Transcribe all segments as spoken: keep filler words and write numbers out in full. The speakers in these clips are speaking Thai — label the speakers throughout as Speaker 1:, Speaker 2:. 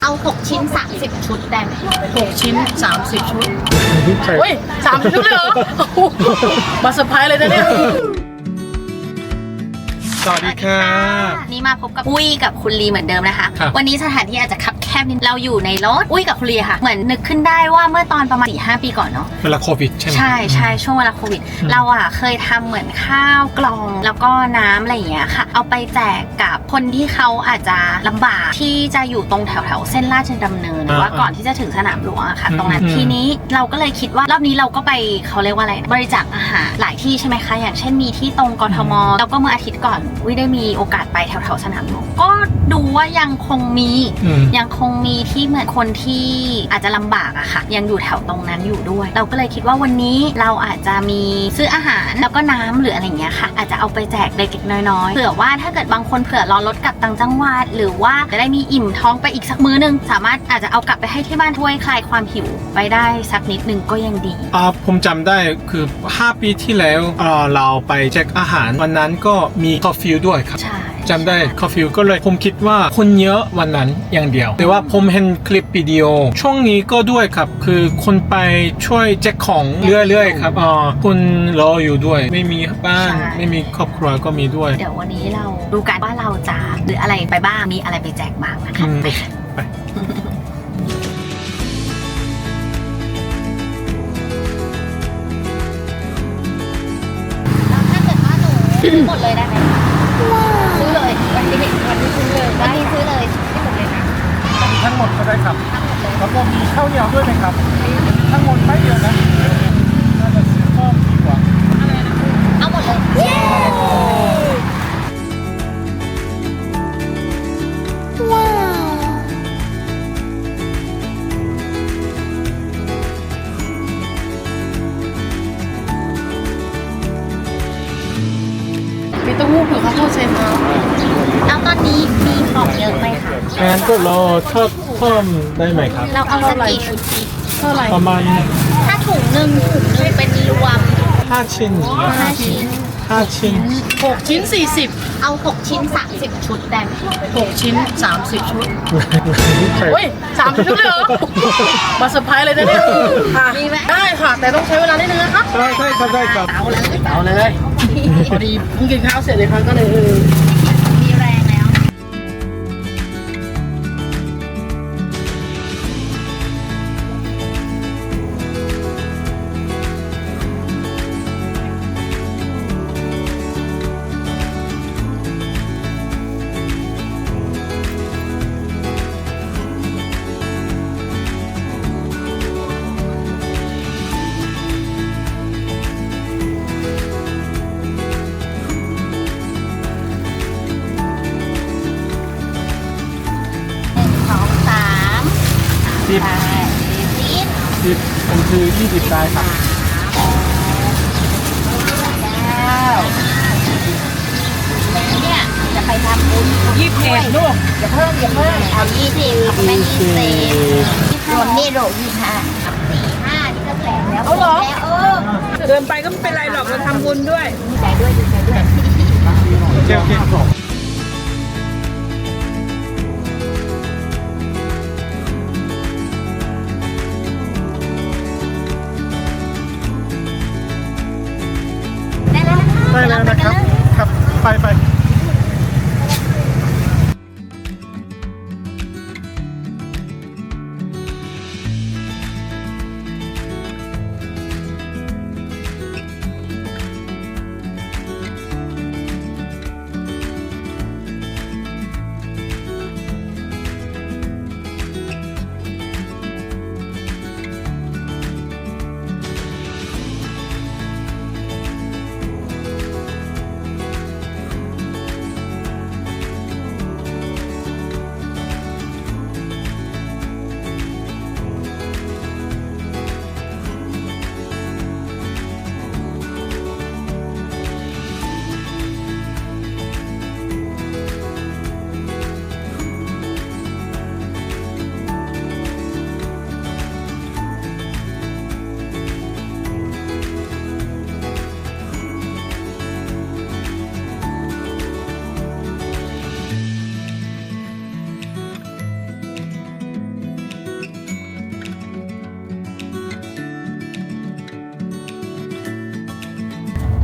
Speaker 1: เอาหกชิ้นสามสิบชุดได้ไหม
Speaker 2: หกชิ้นสามสิบชุดเฮ้ยสามสิบชุดเลยเหรอมาเซอร์ไพรส์เลยนะเนี่ย
Speaker 3: สวัสดีค่ะ
Speaker 1: นี่มาพบกับอุ้ยกับคุณลีเหมือนเดิมนะคะวันนี้สถานที่อาจจะคับแคบนิดเราอยู่ในรถอุ้ยกับคุณลีค่ะเหมือนนึกขึ้นได้ว่าเมื่อตอนประมาณ สี่ห้า ปีก่อนเนาะ
Speaker 3: เวลาโควิดใช่ไหม
Speaker 1: ใช่ใช่ช่วงเวลาโควิดเราอ่ะเคยทำเหมือนข้าวกล่องแล้วก็น้ำอะไรอย่างเงี้ยค่ะเอาไปแจกกับคนที่เขาอาจจะลำบากที่จะอยู่ตรงแถวแถวเส้นราชดำเนินหรือว่าก่อนที่จะถึงสนามหลวงอะค่ะตรงนั้นทีนี้เราก็เลยคิดว่ารอบนี้เราก็ไปเขาเรียกว่าอะไรบริจาคอาหารหลายที่ใช่ไหมคะอย่างเช่นมีที่ตรงกทมแล้วก็เมื่ออาทิตย์ก่อนอุ้ยได้มีโอกาสไปแถวแถวสนามหลวงก็ดูว่ายังคงมียังคงมีที่เหมือนคนที่อาจจะลำบากอะค่ะยังอยู่แถวตรงนั้นอยู่ด้วยเราก็เลยคิดว่าวันนี้เราอาจจะมีซื้ออาหารแล้วก็น้ำหรืออะไรเงี้ยค่ะอาจจะเอาไปแจกเล็กๆน้อยๆเผื่อว่าถ้าเกิดบางคนเผื่อรอรถกลับต่างจังหวัดหรือว่าจะได้มีอิ่มท้องไปอีกสักมื้อนึงสามารถอาจจะเอากลับไปให้ที่บ้านช่วยคลายความหิวไปได้สักนิดนึงก็ยังดี
Speaker 3: อ่าผมจำได้คือห้าปีที่แล้วเอ่อเราไปแจกอาหารวันนั้นก็มีคอฟฟี่ด้วยครับจำได้คอฟฟี่ก็เลยผมคิดว่าคนเยอะวันนั้นอย่างเดียวแต่ว่าผมเห็นคลิปวิดีโอช่วงนี้ก็ด้วยครับคือคนไปช่วยแจกของเรื่อยๆครับอ่าคุณรออยู่ด้วยไม่มีบ้านไม่มีครอบครัวก็มีด้วย
Speaker 1: เดี๋ยววันนี้เราดูกันว่าเราจะหรืออะไรไปบ้างมีอะไรไปแจกบ้างนะคะไป
Speaker 3: ไป
Speaker 1: ถ้าเกิดว่าหนูซื้อหมดเลยได้ไหมซื้อเลยวันนี้วันนี้ซื้อเลยวันนี้ซื้อเลยที่หมดเลยนะ
Speaker 3: ทั้งหมดก็ได้ครับแล้วก็มีข้าวเหนียวด้วยไหมครับทั้งหมดไม่เดียวนะน่าจะซื้อเพิ่มดีกว่า
Speaker 1: เอาหมดเลยว้าว
Speaker 2: มีเต้าหู้เผือกข้าวโพดเซนมา
Speaker 1: แล้วตอนนี้มีของเยอะไหมคะ
Speaker 3: งั้นก็รอทอดเพิ่มได้ไหมครับ
Speaker 1: เราเอาสักกี่ชุดดี
Speaker 2: เท่าไหร่
Speaker 3: ประมาณ
Speaker 1: ถ้าถุงหนึ่งถุงหนึ่งเป็นรวม
Speaker 3: ห้าชิ้น
Speaker 1: ห้าชิ้น
Speaker 3: ห้าชิ้น
Speaker 2: หกชิ้นสี่สิบ
Speaker 1: เอาหกชิ้นสามสิบชุดได้ไหม
Speaker 2: หกชิ้นสามสิบชุดเฮ้ยสามสิบชุดเลยเหรอมาเซอร์ไพรส์เลยนะเนี่ย
Speaker 1: มีไหม
Speaker 2: ได้ค่ะแต่ต้องใช้เวลานิดนึงนะคะ
Speaker 3: ได้ได้ครับได้ครับ
Speaker 2: เอาเลยเอาเลยพอดีเพิ่งกินข้าวเสร็จเลยครับก็เลย
Speaker 1: มีแรงแล้ว
Speaker 3: สิบสิบมันคือยี่สิบได้ครับ
Speaker 1: เนี่ยจะไปทำบุญ
Speaker 2: ยี่สิบเอ็ดลูก
Speaker 1: อย่าเพิ่มอย่าเพิ่มเอายี่สิบไม่ยี่สิบรวมนี่โหลยี่ห้าสี่ห้านี่ก็แปลกแล้ว
Speaker 2: เอาเหรอ
Speaker 1: เออ
Speaker 2: เดินไปก็ไม่เป็นไรหรอกเราทำบุญด้วย
Speaker 1: ดีใจด้วยดีใจด้วย
Speaker 3: โอเคโอเคได้แล้วนะครับครับไปไป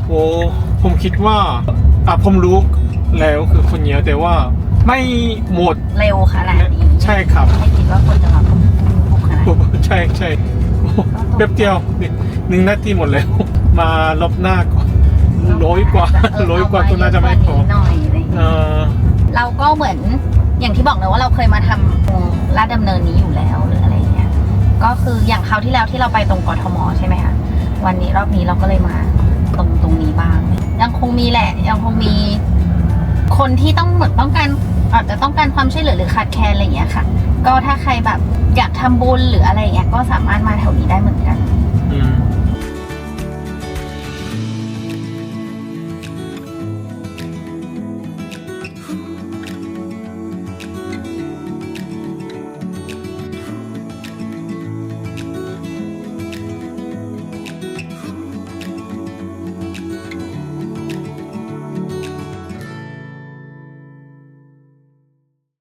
Speaker 3: โอ้ผมคิดว่าอ่ะผมรู้แล้วคือคนเยอะแต่ว่าไม่หมด
Speaker 1: เร็วขนาดนี้
Speaker 3: ใช่ครับ
Speaker 1: ไม่คิดว่าคนจะมาพุ่งขนาดนี้
Speaker 3: ใช่ใช่โอ้แป๊บเดียวนี่หนึ่งนาทีหมดแล้ว มารอบหน้าก่อนร้อยกว่าร้อยกว่าก็น่าจะไม่พอ
Speaker 1: หน่อยอะไรอย่าง
Speaker 3: เอ
Speaker 1: เงี้ย
Speaker 3: อ
Speaker 1: เราก็เหมือนอย่างที่บอกเลยว่าเราเคยมาทำตรงลาดดำเนินนี้อยู่แล้วหรืออะไรเงี้ยก็คืออย่างคราวที่แล้วที่เราไปตรงกทมใช่ไหมคะวันนี้รอบนี้เราก็เลยมาตรงตรงนี้บ้าง ยังคงมีแหละ ยังคงมีคนที่ต้องเหมือนต้องการอาจจะต้องการความช่วยเหลือหรือขาดแคลนอะไรอย่างเงี้ยค่ะ ก็ถ้าใครแบบอยากทำบุญหรืออะไรอย่างเงี้ยก็สามารถมาแถวนี้ได้เหมือนกัน